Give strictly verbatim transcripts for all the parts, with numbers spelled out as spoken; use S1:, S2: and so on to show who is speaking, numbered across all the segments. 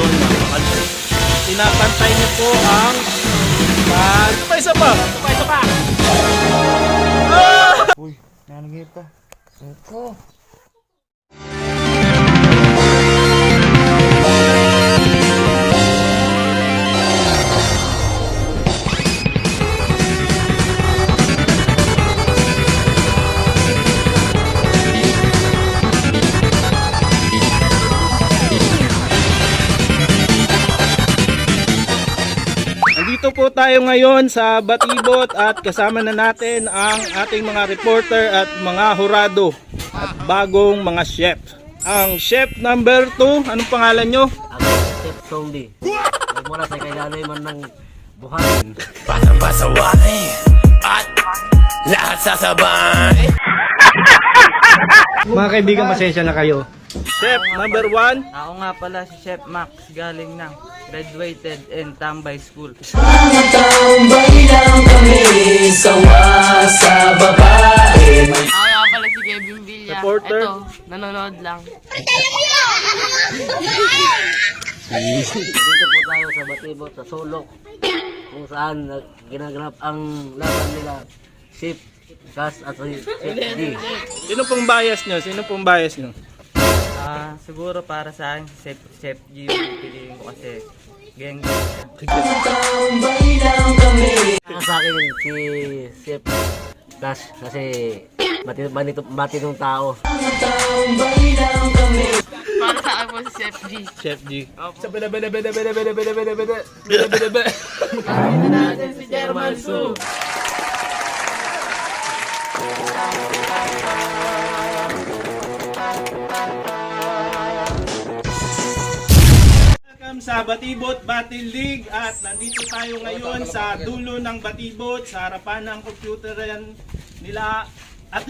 S1: yun, nakapantay.
S2: Pinapantay niyo po ang pag... Pa isa pa!
S1: Pa, ito pa!
S2: Ah!
S3: Uy, nanagay pa. Ito.
S2: Nandito po tayo ngayon sa Batibot at kasama na natin ang ating mga reporter at mga hurado at bagong mga chef. Ang chef number two, anong pangalan nyo?
S1: Ako, Chef Tongdi. Nagmula sa kailanay man ng buhangin.
S4: Pasang-pasaway at lahat sasabay.
S2: Mga kaibigan, pasensya na kayo. Chef number one.
S5: Ako nga pala si Chef Max, galing ng graduated in Tambay School.
S4: Tambay lang kami, sawa sa babae.
S6: Ako nga pala si Kevin Villa.
S2: Reporter.
S6: Ito, nanonood lang.
S1: Dito po tayo sa Batibot, sa Sulok, kung saan nag- ginaganap ang laban nila Chef Cash at si Chef D.
S2: Sino pong bias nyo? Sino pong bias nyo?
S5: Ah, siguro para sa akin si Chef, Chef G yung piliin ko kasi geng
S4: Tambay lang kami.
S1: Para sa akin si Chef Cash kasi mati- manito- matinong tao.
S4: Tambay lang kami.
S6: Para sa akin po si Chef G.
S2: Chef G.
S6: Sa bida bida bida bida bida bida bida bida bida bida bida. Ano natin si German Su.
S2: Welcome sa Batibot Battle League at nandito tayo ngayon sa dulo ng Batibot sa harapan ng computeran nila at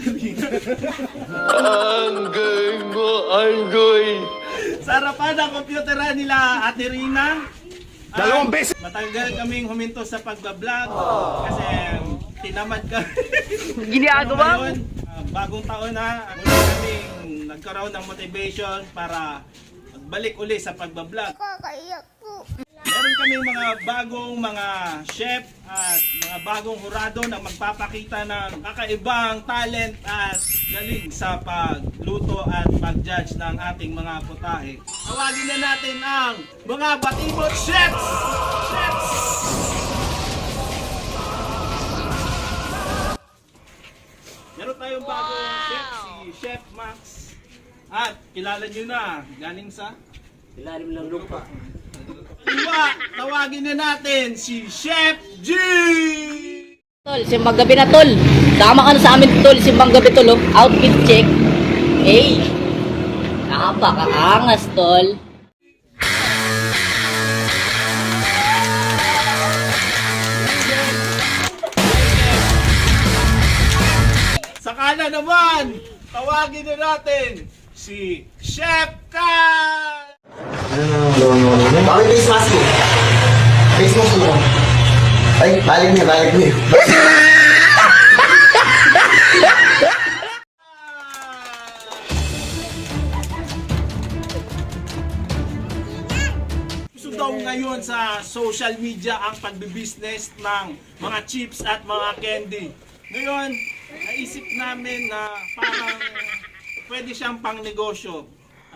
S4: Anggoy mo, anggoy.
S2: sa harapan ng computeran nila Ate Rina. Dalawang beses! Matagal kaming huminto sa pagbablog kasi tinamad ka.
S5: Ginagawa
S2: Ngayon, ah, bagong taon na, at kaming nagkaroon ng motivation para magbalik uli sa pagbablog. Meron kami mga bagong mga chef at mga bagong hurado na magpapakita ng kakaibang talent at galing sa pagluto at pag-judge ng ating mga putahe. Tawagin na natin ang mga Batibot Chefs! Chefs! Meron tayong bagong chef, si Chef Max. At kilala nyo na, galing sa
S1: Ilalim ng lupa.
S2: Iwa, tawagin na natin si Chef G!
S7: Tol, simbang gabi na tol. Sama ka na sa amin tol, simbang gabi tol. Oh. Outfit check. Hey, napakaangas tol.
S2: Saka na naman, tawagin na natin si Chef Kat!
S8: Bakit face mask mo? Face mask mo. Ay, balik niya, balik niya.
S2: Gusto daw ngayon sa social media ang pagbibusiness ng mga chips at mga candy. Ngayon, naisip namin na parang pwede siyang pang negosyo.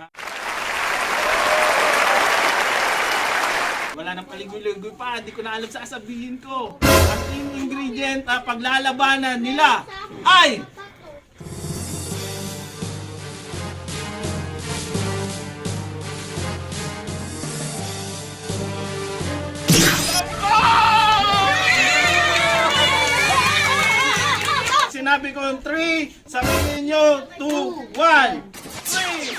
S2: Wala nang paligoy-ligoy pa, hindi ko na alam sa sasabihin ko. Ang team ingredient na paglalabanan nila ay sinabi ko yung three, sabihin nyo two, one, three!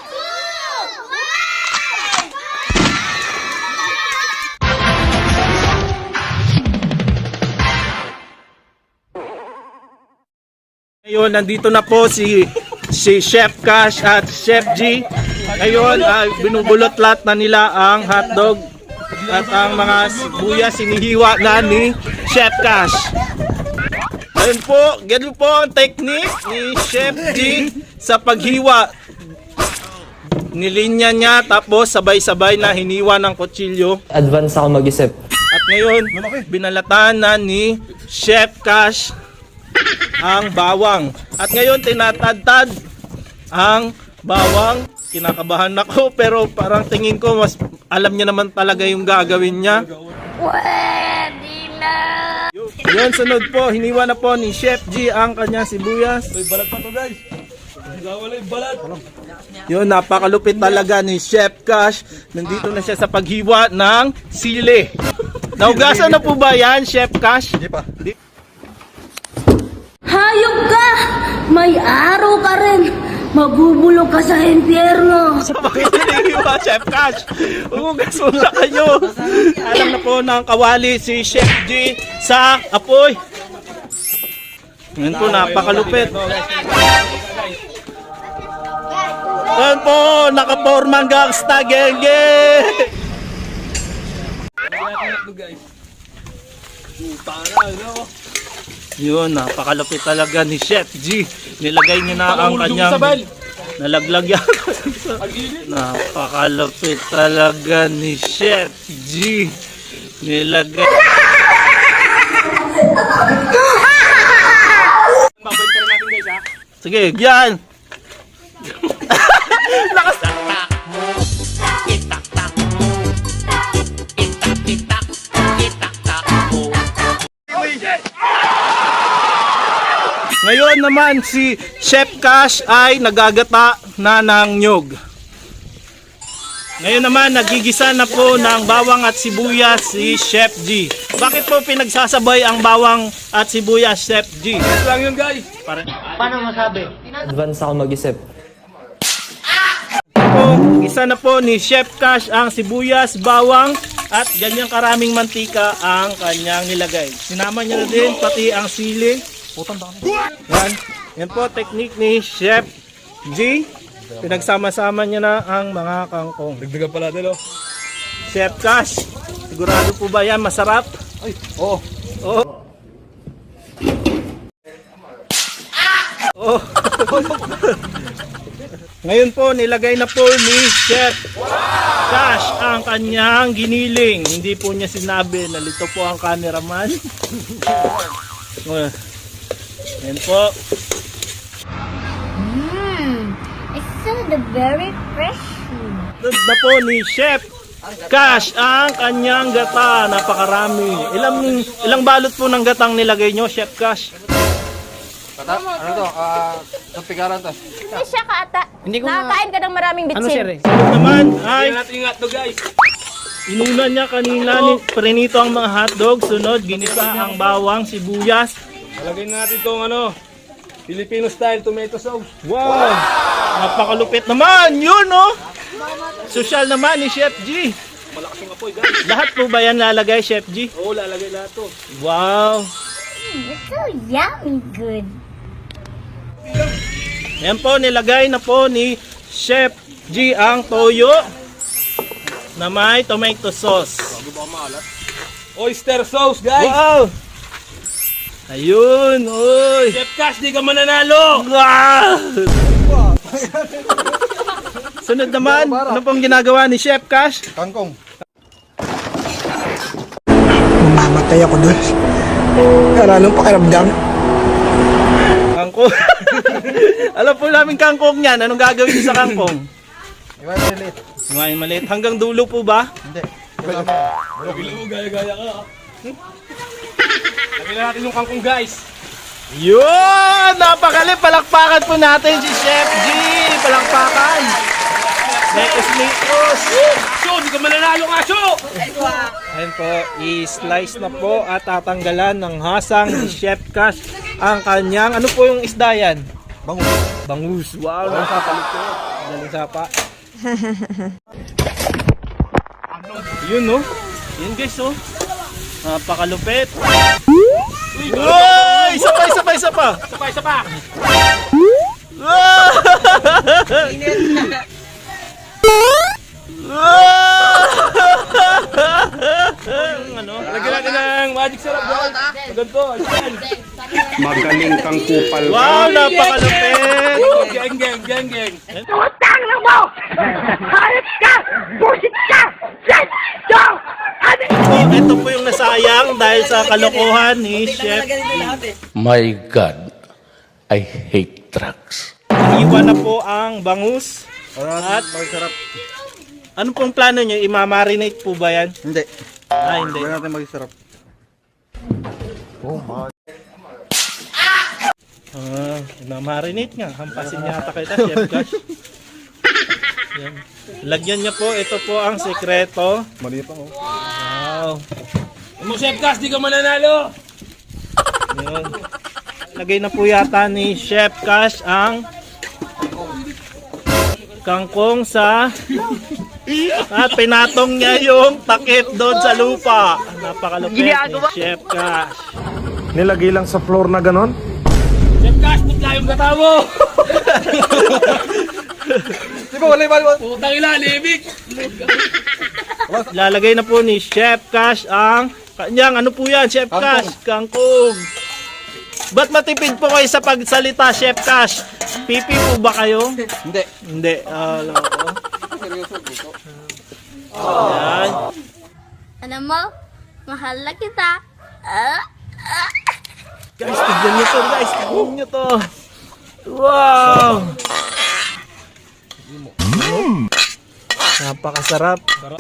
S2: Ngayon, nandito na po si si Chef Cash at Chef G. Ngayon, ay binubulot lahat na nila ang hotdog at ang mga sibuyas sinihiwa na ni Chef Cash. Ayun po, ganun po ang technique ni Chef G sa paghiwa. nilinya niya tapos sabay-sabay na hiniwa ng kutsilyo.
S5: Advance ako mag-isip.
S2: At ngayon, binalatan na ni Chef Cash ang bawang. At ngayon, tinatadtad ang bawang. Kinakabahan ako pero parang tingin ko mas alam niya naman talaga yung gagawin niya.
S7: Pwede na!
S2: Yun, sunod po, hiniwa na po ni Chef G ang kanyang sibuyas.
S6: May balat pa to guys. Wala yung balat.
S2: Yun, napakalupit talaga ni Chef Cash. Nandito na siya sa paghiwa ng sili. Naugasan na po ba yan, Chef Cash? Hindi pa.
S7: Hayop ka! May araw ka rin! Magubulong ka sa impyerno!
S2: Bakit hinihiwa, Chef Cash? Ugas muna kayo. Alam na po ng kawali si Chef G sa apoy. Yan po, napakalupit. Yan po, nakapormang gangsta, genge! Yun, napakalupit talaga ni Chef G. Nilagay niya na ang kanyang nalaglag yan. Napakalupit talaga ni Chef G. Nilagay. Sige, yan. Nakasatak. Itak-tak. Itak-itak. Itak-tak. Ngayon naman si Chef Cash ay nagagata na ng nyog. Ngayon naman nagigisa na po ng bawang at sibuyas si Chef G. Bakit po pinagsasabay ang bawang at sibuyas, Chef G?
S6: Ito lang yun guys.
S2: Para
S5: Advance ako mag-isip.
S2: po, isa na po ni Chef Cash ang sibuyas, bawang at ganyang karaming mantika ang kanyang nilagay. Sinama niya na din pati ang sili. Yan. Yan po technique ni Chef G. Pinagsama-sama niya na ang mga kangkong.
S6: Dagdagan pala din oh.
S2: Chef Cash, sigurado po ba yan masarap?
S6: Ay, oo.
S2: Oh. Oh. Ngayon po nilagay na po ni Chef Cash ang kanyang giniling. Hindi po niya sinabi, nalito po ang cameraman. Yan po.
S9: Mmm, it's so the very fresh.
S2: Sunod na po ni Chef Cash ang kanyang gata. Napakarami. Ilang ilang balot po ng gatang nilagay nyo, Chef Cash?
S3: Kata, ano to? Ah, uh, pigaran to.
S9: Hindi siya ka ata. Hindi ko Nakakain ka ng maraming bitsin. Ano sir eh?
S2: Sunod naman ay
S6: Tingnan natin yung hotdog guys.
S2: inuna niya kanina ni prinito ang mga hotdog. Sunod, ginisa ang bawang, sibuyas.
S6: Lagay na natin itong ano, Filipino style tomato sauce.
S2: Wow! Napakalupit naman! Yun, no? Social naman ni Chef G.
S6: Malakas yung apoy guys.
S2: Lahat po ba yan lalagay, Chef G?
S6: Oo, lalagay lahat to.
S2: Wow!
S9: Mm, it's so yummy good.
S2: Yan po, nilagay na po ni Chef G ang toyo na may tomato sauce.
S6: Oyster sauce guys.
S2: Wow! Ayun, oy!
S6: Chef Cash, di ka mananalo.
S2: Wow! Sunod naman, ano pong ginagawa ni Chef Cash?
S8: Kangkong.
S3: Mamatay ako doon. Para anong pakiramdam?
S2: Kangkong. Alam po namin kangkong yan. Anong gagawin niyo sa kangkong?
S8: Iwan maliit.
S2: Ngayon maliit. Hanggang dulo po ba?
S8: Hindi.
S6: Bilang mo, gaya-gaya ka. Hmm? Lagay na natin yung kangkong guys.
S2: Yun! Napakalit! Palakpakan po natin si Chef G! Palakpakan! Nekos Nikos!
S6: So, di ka mananalo ka, so!
S2: Ayan po, i-slice na po at tatanggalan ng hasang ni Chef Cash ang kanyang, ano po yung isda yan?
S8: Bangus.
S2: Bangus! Wow! Nakapalit po. Galing sapa. Yun no? Yun guys oh. Napakalupit. Uy! Isa pa, isa pa, isa pa!
S6: Isa pa, isa pa!
S2: Ano?
S6: Lagyan natin ng magic syrup guys. Ganito, ayan.
S10: Magaling kang kupal.
S2: Wow, napakalupit!
S6: Geng, geng, geng, geng.
S2: So, ito po yung nasayang dahil sa kalokohan ni Chef.
S10: My God, I hate drugs.
S2: Iwan na po ang bangus. At ano pong plano nyo? Imamarinate po ba yan?
S8: Hindi.
S2: Ah, hindi.
S8: Hindi natin mag-sarap.
S2: Ah, imamarinate nga. Hampasin yata kita, Chef Cash. Yan. Lagyan niya po. Ito po ang sekreto.
S8: Mali pa oh.
S2: Wow.
S6: Mo Chef Cash, di ka mananalo.
S2: Yun. Lagay na po yata ni Chef Cash ang kangkong sa at pinatong niya yung takip doon sa lupa. Napakalupit ni Chef Cash.
S10: Nilagay lang sa floor na ganon?
S6: Chef Cash, putla yung gata mo.
S8: Di ba wala yung
S6: Putang ila, libig.
S2: Lalagay na po ni Chef Cash ang kanyang ano po yan, Chef Cash? Kangkong. Ba't matipid po kayo sa pagsalita, Chef Cash? Pipi po ba kayo?
S8: Hindi.
S2: Hindi. Ah, loko. Ayan.
S9: Alam mo, mahal na kita. Ah, ah.
S2: Guys, tignan nyo to, guys. Tignan nyo to. Wow! Mm. Napakasarap.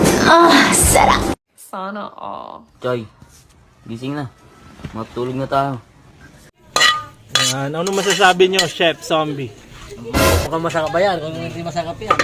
S9: Sana all.
S1: Choy, gising na. Matulog na tayo.
S2: Yan. Ano masasabi nyo, Chef Zombie?
S1: Mukhang masakap ba yan? Kung hindi masakap yan.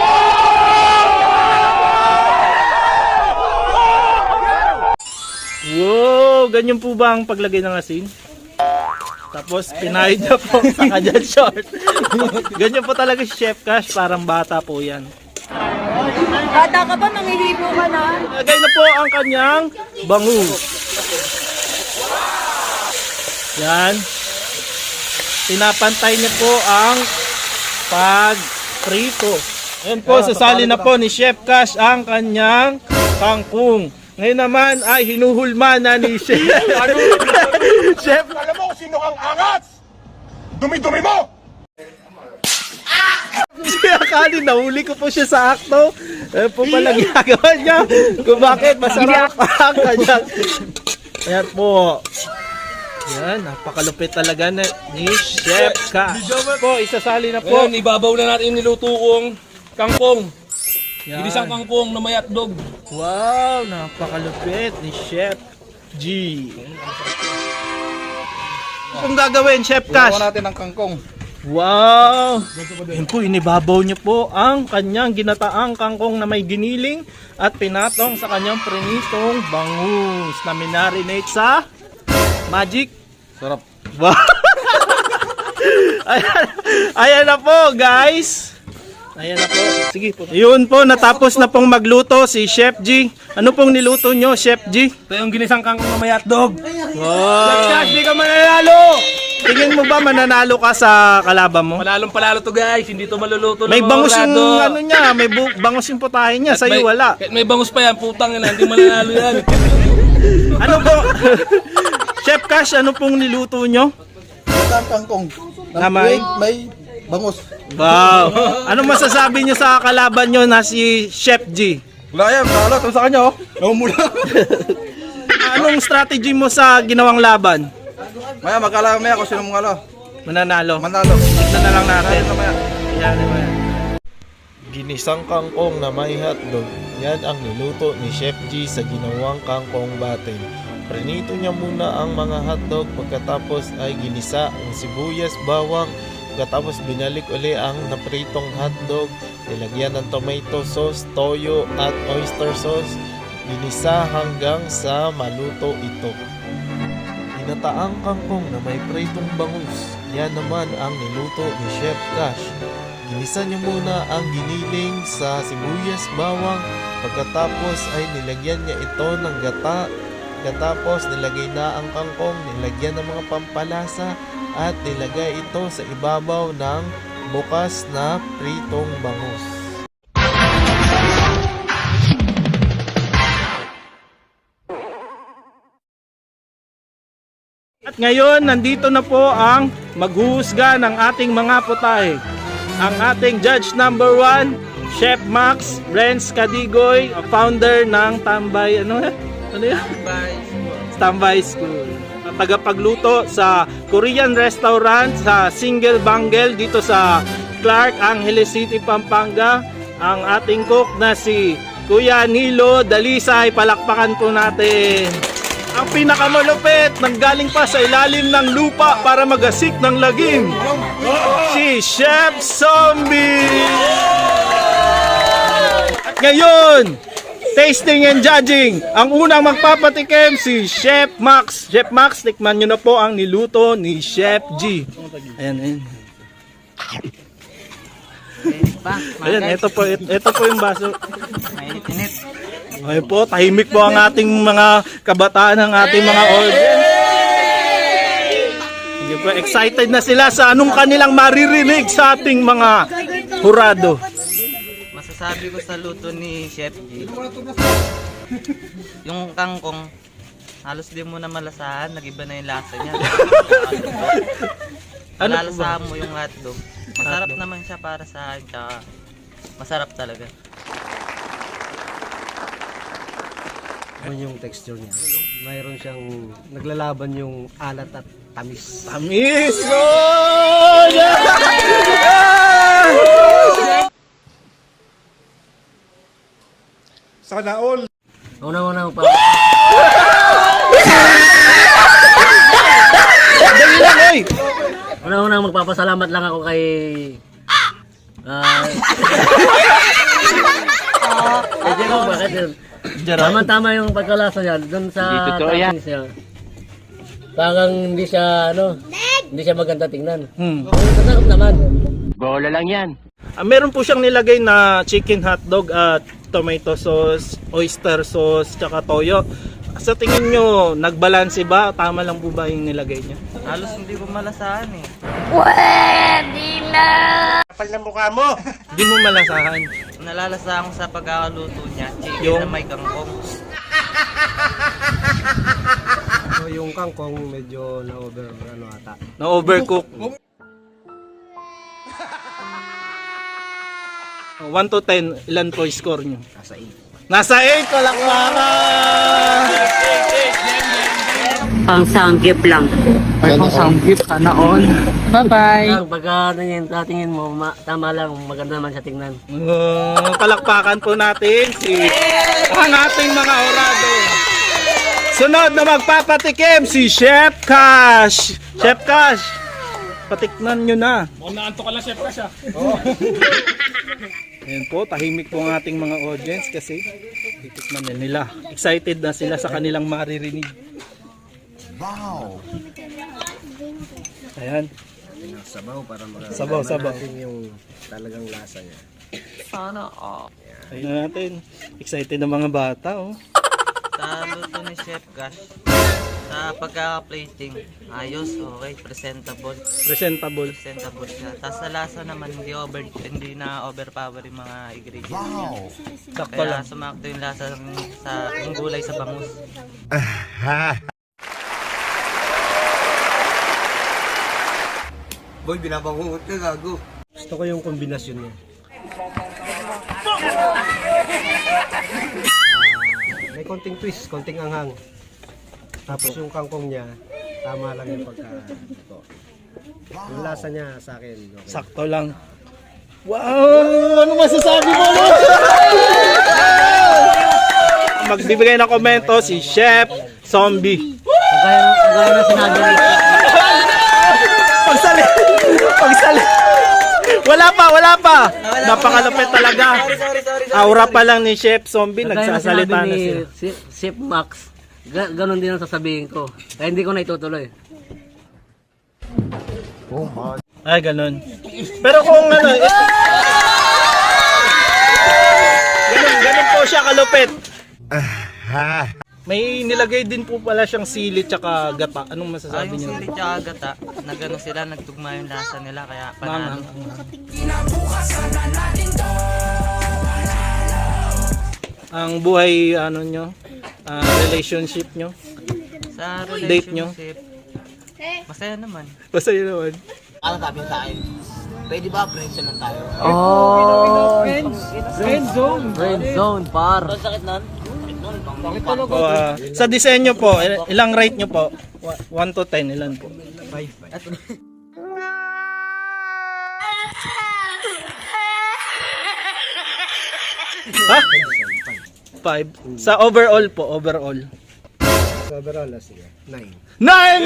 S2: Wow! Ganyan po ba ang paglagay ng asin? Tapos pinahid niya po sa kanyang short. Ganyan po talaga si Chef Cash. Parang bata po yan.
S9: Bata ka ba? Mangihipo ka na?
S2: Lagay na po ang kanyang bangus. Yan. Pinapantay niya po ang pag-prito. Ayan po, sasali na po ni Chef Cash ang kanyang kangkong. Ngayon naman ay hinuhulma na ni Chef. Chef,
S10: Alam mo kung sino kang angas? Dumi-dumi mo!
S2: siya akali, nahuli ko po siya sa akto. Eh po pala ginagawa niya kung bakit masarap ang kanyang. Ayan po. Yan, napakalupit talaga na ni Chef Cash. Po, isasali na po.
S6: Ngayon, ibabaw na natin yung niluto kong kangkong.
S2: Yan.
S6: Ginisang kangkong na may hotdog.
S2: Wow, napakalupit ni Chef G. Kung gagawin, Chef Cash.
S8: Ginawa natin ang kangkong.
S2: Wow! Yan po, inibabaw niyo po ang kanyang ginataang kangkong na may giniling at pinatong sa kanyang prinitong bangus na minarinate sa magic.
S8: Sarap.
S2: Wow! ayan, ayan na po, guys. Ayan na po. Sige po. Yun po, natapos na pong magluto si Chef G. Ano pong niluto nyo, Chef G?
S6: Ito yung ginisang kangkong na may hotdog.
S2: Wow!
S6: Cash, di ka mananalo.
S2: Tingin mo ba mananalo ka sa kalaban mo?
S6: Palalong palalo to guys, hindi to maluluto ng
S2: May
S6: mga
S2: bangus yung
S6: orado.
S2: ano niya, may bu- bangus yung putahe niya,
S6: At
S2: sa'yo
S6: may-
S2: wala.
S6: Kahit may bangus pa yan, putang ina, hindi mananalo yan.
S2: Ano po? Chef Cash, ano pong niluto nyo?
S8: Ito ang kangkong.
S2: Na may-
S8: may bangus.
S2: Wow! Ano masasabi nyo sa kalaban nyo na si Chef G?
S8: Wala yan, talo. Ito sa kanya oh. Namumula.
S2: Anong strategy mo sa ginawang laban?
S8: Maya, magkala maya kung sino mong alo.
S2: Mananalo.
S8: Manalo.
S2: Tignan na lang natin.
S8: Maya.
S2: Yan, yan.
S11: Ginisang kangkong na may hotdog, yan ang niluto ni Chef G sa ginawang kangkong batin. Prinito niya muna ang mga hotdog, pagkatapos ay ginisa ang sibuyas, bawang, pagkatapos binalik uli ang napritong hotdog, nilagyan ng tomato sauce, toyo at oyster sauce, ginisa hanggang sa maluto ito. Ginataang kangkong na may pritong bangus, yan naman ang niluto ni Chef Cash. Ginisa niya muna ang giniling sa sibuyas, bawang, pagkatapos ay nilagyan niya ito ng gata, pagkatapos nilagay na ang kangkong, nilagyan ng mga pampalasa at nilagay ito sa ibabaw ng bukas na pritong bangus.
S2: At ngayon, nandito na po ang maghuhusga ng ating mga putahe. Ang ating judge number one, Chef Max Renz Cadigoy, founder ng Tambay, ano ano yan? Tambay School. Tagapagluto sa Korean restaurant sa Single Bangle dito sa Clark, Angeles City, Pampanga. Ang ating cook na si Kuya Nilo Dalisay, palakpakan po natin. Ang pinakamalupit, nanggaling pa sa ilalim ng lupa para magasik ng lagim, si Chef Zombie. At ngayon, tasting and judging, ang unang magpapatikim si Chef Max. Chef Max, tikman nyo na po ang niluto ni Chef G. Ayan, ayan. Ayan, ito po, ito po yung baso.
S5: Mainit-init.
S2: Ngayon po, tahimik po ang ating mga kabataan, ang ating mga audience. Hindi po, excited na sila sa anong kanilang maririnig sa ating mga hurado.
S5: Masasabi ko sa luto ni Chef G, yung kangkong, halos di mo na malasahan, nag-iba na yung lasa niya.
S2: Ano po ba?
S5: Malalasahan mo yung hotdog. Masarap naman siya para sa akin, tsaka masarap talaga.
S1: Ano yung texture niya? Mayroon siyang naglalaban yung alat at tamis.
S2: Tamis! Oh! Yeah!
S10: Sana all.
S1: Una-una pa.
S2: Dali lang, oy!
S1: Una-una magpapasalamat lang ako kay ah uh, Jerome, bakit yun? Tama-tama yung pagkalasa niya doon sa tamis niya. Parang hindi siya ano, hindi siya maganda tingnan.
S2: Hmm.
S1: Masarap naman.
S4: Bola lang yan.
S2: Ah, meron po siyang nilagay na chicken hotdog at tomato sauce, oyster sauce, tsaka toyo. Sa tingin nyo, nagbalanse ba? Tama lang po ba yung nilagay niya?
S5: Halos hindi ko malasahan eh.
S9: Pwede na!
S10: Kapal ng mukha mo.
S2: Hindi mo malasahan.
S5: Nalalasahan ko sa pagkakaluto niya, chicken
S2: Yung-
S5: na may kangkong.
S1: So yung kangkong medyo na-over ano ata.
S2: Na-overcook. one to ten, ilan po yung score nyo?
S1: Nasa eight.
S2: Nasa eight, palakpakan!
S7: Pang sanggip lang.
S6: Pang sanggip, sana all. Bye-bye.
S1: Ang pagka tingin, tingin mo, ma, tama lang, maganda naman siya tingnan.
S2: Uh, palakpakan po natin si ang ating mga orado. Sunod na magpapatikim si Chef Cash. Chef Cash, patikman nyo na.
S10: Mukhang naanto ka lang, Chef Cash ah.
S2: Ayan po, tahimik po ang ating mga audience kasi titikman na nila. Excited na sila sa kanilang maririnig. Wow! Ayan.
S1: Sabaw para mag-
S2: Sabaw, sabaw.
S1: natin yung talagang lasa niya.
S2: Ayun na natin. Excited na mga bata, oh.
S5: Sa luto ni Chef Cash, sa pagkaka-plating, ayos, okay, presentable.
S2: Presentable.
S5: Presentable siya. Tapos sa lasa naman, hindi over, hindi na overpower yung mga ingredients. Wow!
S2: Sakto
S5: Kaya
S2: lang.
S5: sumakto yung lasa ng- sa yung gulay sa bangus.
S8: Boy, binabangungot ka, gago.
S1: Gusto ko yung kombinasyon niya. Ah, may konting twist, konting anghang. Tapos yung kangkong niya, tama lang yung pagka ito. Yung lasa niya sa akin. Okay.
S2: Sakto lang. Wow! Ano masasabi mo? Magbibigay ng komento si Chef Zombie.
S1: Kagaya, kagaya na sinabi ni
S2: Pagsali! Pagsali! Wala pa, wala pa! Napakalupit talaga. Aura pa lang ni Chef Zombie,
S1: Kagaya na
S2: nagsasalita
S1: sinabi
S2: na
S1: ni
S2: siya.
S1: Si- Chef Max, ga- ganon din ang sasabihin ko. Kaya hindi ko na itutuloy.
S2: Ay, ganun. Pero kung ano, eh, ganun, ganun po siya kalupit. May nilagay din po pala siyang sili tsaka gata. Anong
S5: Ah,
S2: masasabi
S5: yung
S2: niyo?
S5: sili tsaka gata, nagano sila, nagtugma yung lasa nila, kaya panalo.
S2: Ang buhay ano nyo, ah, relationship nyo.
S5: Sa
S2: Date nyo?
S5: relationship, masaya naman.
S2: Basta yun naman.
S8: Ano sabi sa akin?
S6: Pwede ba friends lang tayo?
S1: Oh,
S6: Friend zone.
S1: friend zone, par.
S7: Ang sakit nun?
S6: Bakit talaga?
S2: Po, ah, sa disenyo po, il- ilang rate nyo po? one to ten, ilan po? Ha? five. Sa overall po, overall.
S3: Overall, sige. Nine.
S2: Nine!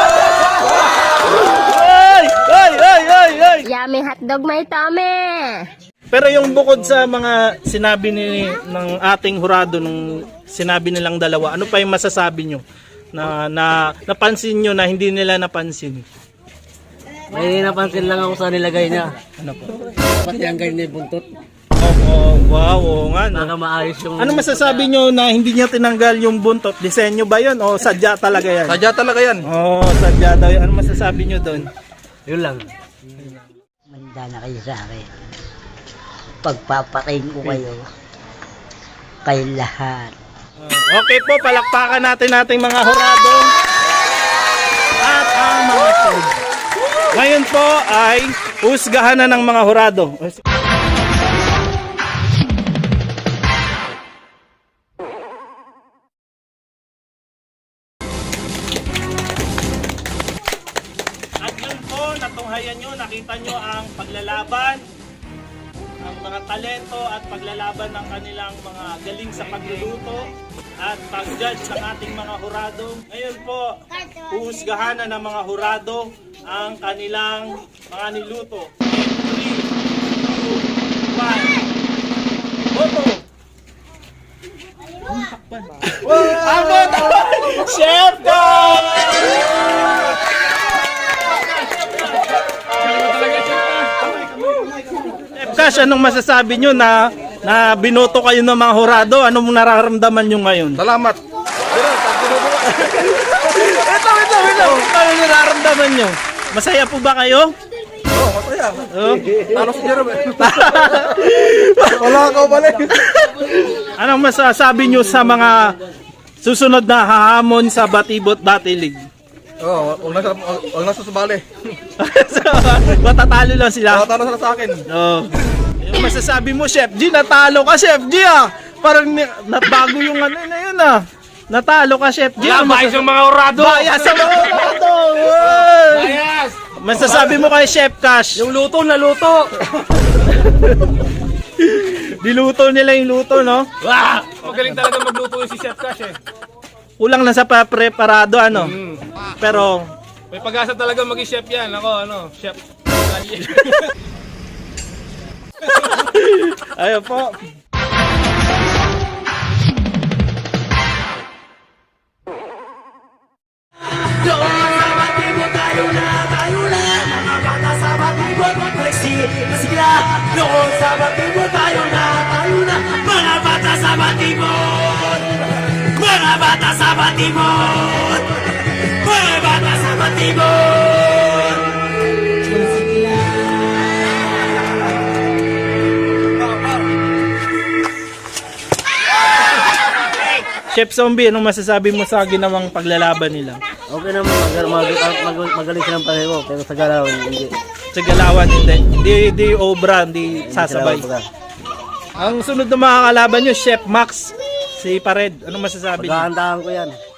S2: Ay! Ay! Ay! Ay! Ay!
S9: Yummy hotdog, may tummy!
S2: Pero yung bukod sa mga sinabi ni ng ating hurado nung sinabi nilang dalawa, ano pa yung masasabi nyo na, na napansin nyo na hindi nila napansin?
S1: May napansin lang ako sa nilagay niya.
S2: Ano po?
S1: Pati ang ganyan yung buntot.
S2: Oh, oh, wow, oo nga. No?
S1: Baka maayos yung...
S2: Ano masasabi nyo na hindi niya tinanggal yung buntot? Disenyo ba yun o sadya talaga yan?
S6: Sadya talaga yan.
S2: Oo, oh, sadya daw yan. Ano masasabi nyo doon?
S1: Yun lang.
S7: Manda na kayo sa akin. Pagpapatayin ko kayo. Kayo lahat.
S2: Uh, okay po, palakpakan natin nating mga hurado at ang mga judge. Ngayon po ay husgahan na ng mga hurado. At yun po, natunghayan nyo, nakita nyo ang paglalaban, ang mga talento at paglalaban ng kanilang mga galing sa pagluluto at pag-judge ng ating mga hurado. Ngayon po, huhusgahan na ng mga hurado ang kanilang mga niluto. three, two, one, boto! Ang boto! Chef Dog! Cash, anong masasabi nyo na na binoto kayo ng mga hurado? Anong nararamdaman nyo ngayon?
S6: Salamat.
S2: Ito, ito, ito. Ano nararamdaman nyo? Masaya po ba kayo?
S6: Oo, masaya.
S2: Oh?
S6: Talo si Jerome. Wala ka balik.
S2: Anong masasabi nyo sa mga susunod na hahamon sa Batibot Batilig?
S6: Oo, huwag na huwag na susubali.
S2: Matatalo lang sila.
S6: Talo sila sa akin.
S2: Oh. Yung masasabi mo, Chef G, natalo ka, Chef G, ah. Parang ni- nabago yung ano na yun, ah. Natalo ka, Chef G. Wala, bayas yung mga hurado. Bayas yung mga hurado. Bayas. Masasabi mo kay Chef Cash.
S6: Yung luto na luto.
S2: Diluto nila yung luto, no?
S6: Wah! Magaling talaga magluto yung si Chef Cash eh.
S2: Kulang lang sa pa-preparado, ano?
S6: Mm.
S2: Pero,
S6: May pag-asa talaga maging chef yan. Ako, ano, chef.
S2: ayun po. Chef Zombie, anong masasabi mo sa ginawang paglalaban nila?
S1: Okay naman, mag mag mag magaling silang pareho, pero sa galawan, hindi.
S2: Sa galawan, hindi. Hindi, hindi obra, hindi sasabay. Ang sunod na mga kalaban nyo, Chef Max, si Pared. Anong masasabi niyo?
S1: Paghahandaan ko yan.